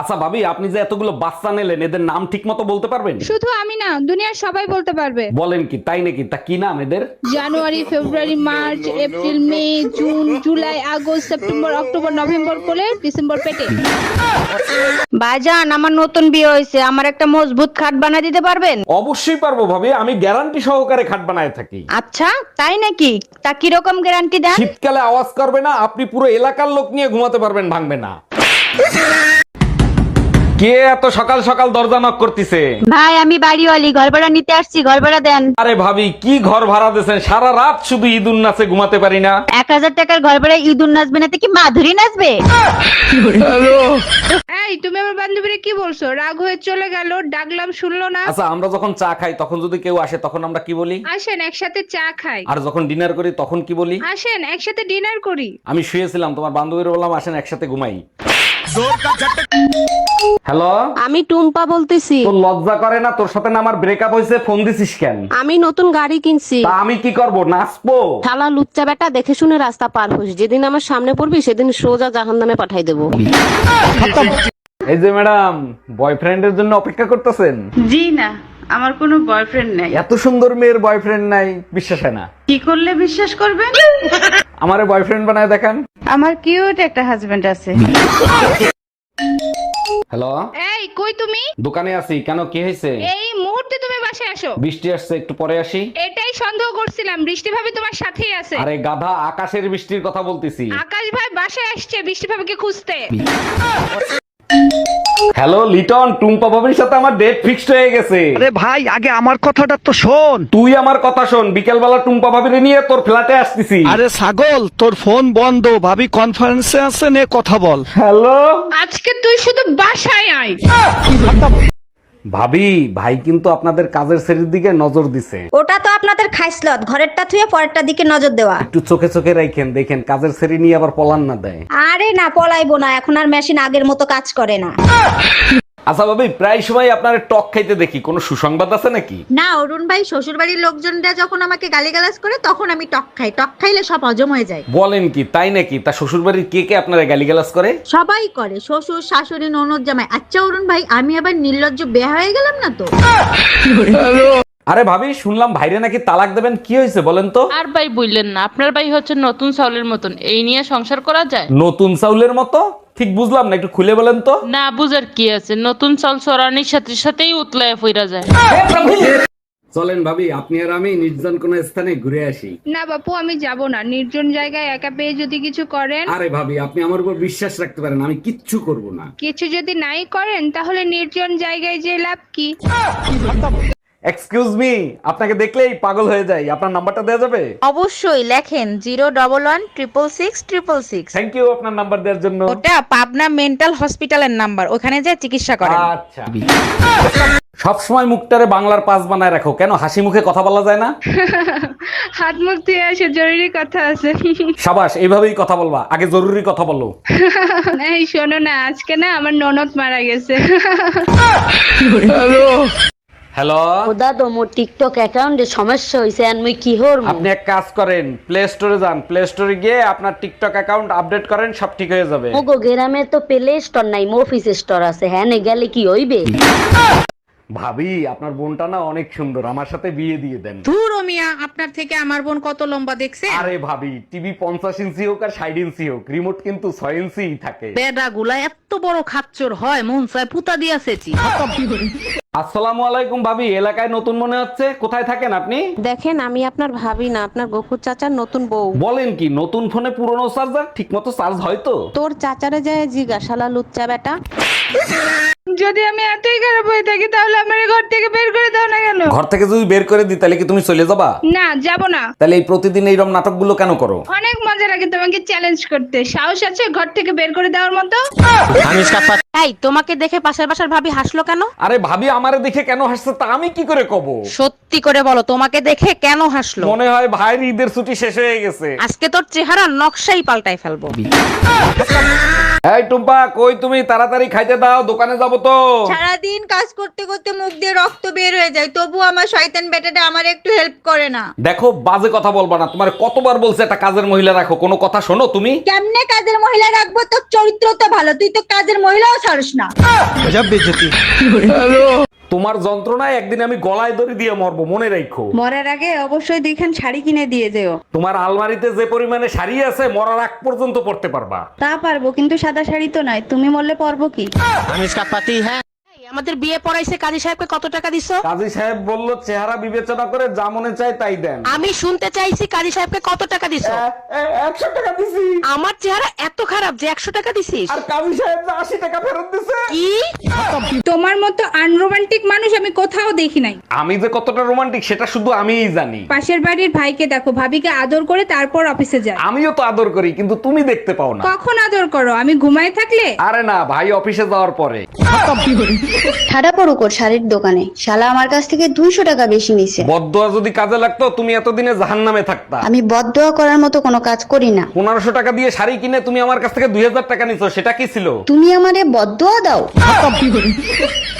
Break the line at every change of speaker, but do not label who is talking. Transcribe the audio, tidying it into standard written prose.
আচ্ছা ভাবি, আপনি যে এতগুলো বাচ্চা নিলেন, এদের নাম ঠিক মতো বলতে পারবেন?
শুধু আমি না, দুনিয়ার সবাই বলতে পারবে।
বলেন কি, তাই নাকি? তা কি নাম এদের?
January, February, March, April, May, June, July, August, September, October, November করে ডিসেম্বর পেটে।
ভাইজান, আমার নতুন বিয়ে হয়েছে, আমার একটা মজবুত খাট বানিয়ে দিতে পারবেন?
অবশ্যই পারবো ভাবি, আমি গ্যারান্টি সহকারে খাট বানায় থাকি।
আচ্ছা, তাই নাকি? তা কিরকম গ্যারান্টি দেন?
শীতকালে আওয়াজ করবে না, আপনি পুরো এলাকার লোক নিয়ে ঘুমাতে পারবেন, ভাঙবে না। কে এত সকাল সকাল দরজা নক করতেছে?
ভাই, আমি বাড়িওয়ালি, ঘর ভাড়া নিতে আসছি, ঘর ভাড়া দেন।
আরে ভাবি, কি ঘর ভাড়া দিয়েছেন? সারা রাত শুধু ঈদুন নাচে ঘুমাতে পারি না।
1000 টাকার ঘর ভাড়া ইঁদুর নাচবে না তো কি মাধুরী নাচবে?
এই, তুমি আমার বান্ধবীরে কি বলছো? রাগ হয়ে চলে গেল, ডাকলাম শুনলো না।
আচ্ছা, আমরা যখন চা খাই তখন যদি কেউ আসে তখন আমরা কি বলি?
আসেন একসাথে চা খাই।
আর যখন ডিনার করি তখন কি বলি?
আসেন একসাথে ডিনার করি।
আমি শুয়েছিলাম, তোমার বান্ধবীর বললাম আসেন একসাথে ঘুমাই। হ্যালো,
আমি টুম্পা বলতেছি।
তোর লজ্জা করে না? তোর সাথে না আমার ব্রেকআপ হয়েছে, ফোন দিছিস কেন?
আমি নতুন গাড়ি কিনছি।
তা আমি কি করব, নাচবো?
শালা লুচ্চা বেটা, দেখে শুনে রাস্তা পার হোস, যেদিন আমার সামনে পড়বি সেদিন সোজা জাহান্নামে পাঠাই দেবো।
এই যে ম্যাডাম, বয়ফ্রেন্ডের জন্য অপেক্ষা করতেছেন?
জি না, আমার কোনো বয়ফ্রেন্ড নাই।
এত সুন্দর মেয়ের বয়ফ্রেন্ড নাই, বিশ্বাস হয় না।
কি করলে বিশ্বাস করবেন?
আমারে বয়ফ্রেন্ড বানায় দেখান।
আমার কিউট একটা হাজবেন্ড আছে।
হ্যালো,
এই, কই তুমি?
দোকানে আছি। কেন, কি হয়েছে?
এই মুহূর্তে তুমি বাসায় আসো।
বৃষ্টি আসছে, একটু পরে আসি।
এটাই সন্দেহ করছিলাম, বৃষ্টি ভাবি তোমার সাথেই আছে।
আরে গাধা, আকাশের বৃষ্টির কথা বলতেছি।
আকাশ ভাই বাসায় আসছে বৃষ্টি ভাবিকে খুঁজতে।
হ্যালো লিটন, টুম্পা ভাবির সাথে আমার ডেট ফিক্সড হয়ে গেছে।
আরে ভাই, আগে আমার কথাটা তো শোন।
তুই আমার কথা শোন, বিকেল বেলা টুম্পা ভাবিরে নিয়ে তোর ফ্ল্যাটে আসতেছি।
আরে ছাগল, তোর ফোন বন্ধ, ভাবি কনফারেন্সে আছে, নে কথা বল।
হ্যালো
আজকে তুই শুধু বাসায় আয়।
ভাবি, ভাই কিন্তু আপনাদের কাজের শ্রেণীর দিকে নজর দিছে।
ওটা তো আপনাদের খাইসলত, ঘরেরটা থুয়ে পরেরটা দিকে নজর দেওয়া।
একটু চোখে চোখে রাখেন, দেখেন কাজের শ্রেণী নিয়ে আবার পলান না দেয়।
আরে না, পলাইবো না, এখন আর মেশিন আগের মতো কাজ করে না।
আচ্ছা ভাবি, প্রায় সময় আপনার টক খাইতে দেখি, কোনো সুসংবাদ আছে নাকি?
না অরুণ ভাই, শ্বশুর বাড়ির লোকজনরা যখন আমাকে গালিগালাজ করে তখন আমি টক খাই, টক খাইলে সব হজম হয়ে যায়।
বলেন কি, তাই নাকি? তা শ্বশুর বাড়ির কে কে আপনারা গালিগালাজ করে?
সবাই করে, শ্বশুর, শাশুড়ি, ননদ, জামাই। আচ্ছা অরুণ ভাই, আমি আবার নির্লজ্জ বেয়া হয়ে গেলাম না তো?
আরে ভাবি, শুনলাম ভাইরে নাকি তালাক দেবেন, কি হয়েছে বলেন তো?
আর ভাই বললেন না, আপনার ভাই হচ্ছে নতুন চাউলের মতন, এই নিয়ে সংসার করা যায়?
নতুন চাউলের মতো? ঠিক বুঝলাম না, একটু খুলে বলেন তো।
না বুঝার কি আছে, নতুন চাল চড়ানির সাথে সাথেই উতলায় ফিরা যায়।
চলেন ভাবি, আপনি আর আমি নির্জন কোন স্থানে ঘুরে আসি।
না বাপু, আমি যাব না। নির্জন জায়গায় একা পেয়ে যদি কিছু করেন।
আরে ভাবি, আপনি আমার উপর বিশ্বাস রাখতে পারেন, আমি কিচ্ছু করব না।
কিছু যদি নাই করেন তাহলে নির্জন জায়গায় যে লাভ কি?
এক্সকিউজ মি, আপনাকে দেখলেই পাগল হয়ে যাই, আপনার নাম্বারটা দেওয়া যাবে?
অবশ্যই, লেখেন 011-166-666।
থ্যাংক ইউ আপনার নাম্বার দেওয়ার জন্য।
ওটা পাবনা মেন্টাল হসপিটালের নাম্বার, ওখানে যে চিকিৎসা করেন।
আচ্ছা, সবসময় মুখটারে বাংলার পাস বানায় রাখো, কেন হাসি মুখে কথা বলা যায় না?
হাত মুখ ধুয়ে আসে, জরুরি কথা আছে।
সাবাস, এইভাবেই কথা বলবা, আগে জরুরি কথা বলো।
এই শোনো না, আজকে না আমার ননদ মারা গেছে।
হ্যালো,
ওদা তো মোর টিকটক অ্যাকাউন্টে সমস্যা হইছে, আর মুই কি হরমু?
আপনি এক কাজ করেন, প্লে স্টোরে যান, প্লে স্টোরে গিয়ে আপনার টিকটক অ্যাকাউন্ট আপডেট করেন, সব ঠিক হয়ে যাবে।
ওগো গ্রামে তো প্লে স্টোর নাই, মফিস স্টোর আছে, হ্যাঁ নে গেলে কি হইবে?
ভাবি, আপনার বোনটা না অনেক সুন্দর, আমার সাথে বিয়ে দিয়ে দেন।
ধুর মিয়া, আপনার থেকে আমার বোন কত লম্বা দেখছে?
আরে ভাবি, টিভি 50 ইঞ্চি হোক আর 60 ইঞ্চি হোক, রিমোট কিন্তু 6 ইঞ্চি থাকে।
বেডা গুলা এত বড় খাচ্চর হয়, মন চায় পুতা দিয়াছেছি।
আসসালামু আলাইকুম ভাবি, এলাকায় নতুন মনে হচ্ছে, কোথায় থাকেন আপনি?
দেখেন, আমি আপনার ভাবি না, আপনার গফুর চাচার নতুন বউ।
বলেন কি, নতুন ফোনে পুরনো চার্জার ঠিক মতো চার্জ হয় তো?
তোর চাচারে যায় জিজ্ঞাসালা লুচ্চা বেটা।
যদি আমি এতই খারাপ হয়ে থাকি তাহলে আমার ঘর থেকে বের করে দাও না কেন?
ঘর থেকে যদি বের করে দিই তাহলে কি তুমি চলে যাবা?
না, যাব না।
তাহলে এই প্রতিদিন এইরকম নাটকগুলো কেন করো?
অনেক মজা লাগে তোমাকে চ্যালেঞ্জ করতে। সাহস আছে ঘর থেকে বের করে দেওয়ার মতো?
এই, তোমাকে দেখে পাশের বাসার ভাবি হাসলো কেন?
আরে ভাবি, আমারে দেখে কেন হাসছে তা আমি কি করে কব?
সত্যি করে বলো, তোমাকে দেখে কেন হাসলো?
মনে হয় ভাইয়ের ঈদের ছুটি শেষ হয়ে গেছে।
আজকে তোর চেহারা নকশাই পাল্টাই ফেলবো।
এই টুম্পা, কই তুমি? তাড়াতাড়ি খাইতে দাও, দোকানে যাবো তো।
সারাদিন কাজ করতে করতে মুখ দিয়ে রক্ত বের হয়ে যায়, তবু আমার শয়তান বেটাটা আমার একটু হেল্প করে না।
দেখো, বাজে কথা বলবা না, তোমার কতবার বলছে একটা কাজের মহিলা রাখো, কোনো কথা শোনো তুমি?
কেমনে কাজের মহিলা রাখবো? তোর চরিত্র তো ভালো, তুই তো কাজের মহিলাও ছাড়স না।
তোমার যন্ত্রণায় একদিন আমি গলায় দড়ি দিয়ে মরবো, মনে রাখো।
মরার আগে অবশ্যই দুইখান শাড়ি কিনে দিয়ে যেও।
তোমার আলমারিতে যে পরিমাণে শাড়ি আছে মরার আগ পর্যন্ত পড়তে পারবা।
তা পারবো, কিন্তু সাদা শাড়ি তো নয়। তুমি মরলে পারবো কি?
আমাদের বিয়ে পড়াইছে কাজী সাহেবকে কত টাকা দিছো?
কাজী সাহেব বলল চেহারা বিবেচনা করে যা মনে চায় তাই দেন।
আমি শুনতে চাইছি কাজী সাহেবকে কত টাকা দিছো?
100 টাকা দিছি।
আমার চেহারা এত খারাপ যে 100 টাকা দিছিস?
আর কাজী সাহেব 80 টাকা ফেরত দিছে।
কি?
তোমার মতো আনরোমান্টিক মানুষ আমি কোথাও দেখি নাই।
আমি যে কতটা রোমান্টিক সেটা শুধু আমিই জানি।
পাশের বাড়ির ভাইকে দেখো, ভাবিকে আদর করে তারপর অফিসে যায়।
আমিও তো আদর করি, কিন্তু তুমি দেখতে পাও না।
কখন আদর করো? আমি ঘুমায় থাকলে?
আরে না, ভাই অফিসে যাওয়ার পরে।
ঠাডা পড়ুক ওর শাড়ির দোকানে, শালা আমার কাছ থেকে 200 টাকা বেশি নিছে।
বদদোয়া যদি কাজে লাগতো তুমি এতদিনে জাহান্নামে থাকতা।
আমি বদদোয়া করার মতো কোনো কাজ করি না।
1500 টাকা দিয়ে শাড়ি কিনে তুমি আমার কাছ থেকে 2000 টাকা নিছো, সেটা কি ছিল?
তুমি আমারে বদদোয়া দাও।